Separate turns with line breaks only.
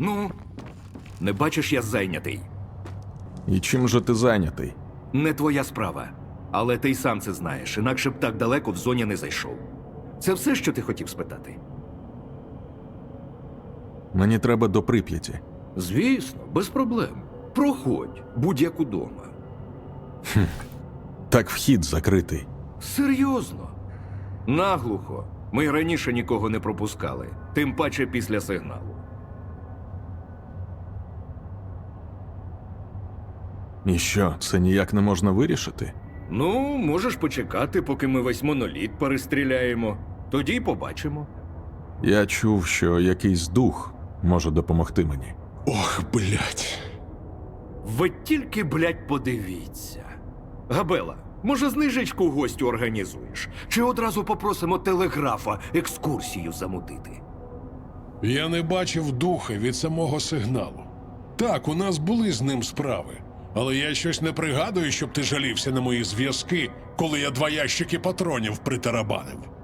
Ну, не бачиш, я зайнятий.
І чим же ти зайнятий?
Не твоя справа. Але ти й сам це знаєш, інакше б так далеко в зоні не зайшов. Це все, що ти хотів спитати?
Мені треба до Прип'яті.
Звісно, без проблем. Проходь, будь-як удома.
Так вхід закритий.
Серйозно? Наглухо. Ми й раніше нікого не пропускали, тим паче після сигналу.
І що, це ніяк не можна вирішити?
Ну, можеш почекати, поки ми весь моноліт перестріляємо. Тоді й побачимо.
Я чув, що якийсь дух може допомогти мені.
Ох, блядь.
Ви тільки, блядь, подивіться. Габела, може знижечку гостю організуєш? Чи одразу попросимо телеграфа екскурсію замутити?
Я не бачив духа від самого сигналу. Так, у нас були з ним справи. Але я щось не пригадую, щоб ти жалівся на мої зв'язки, коли я 2 ящики патронів притарабанив.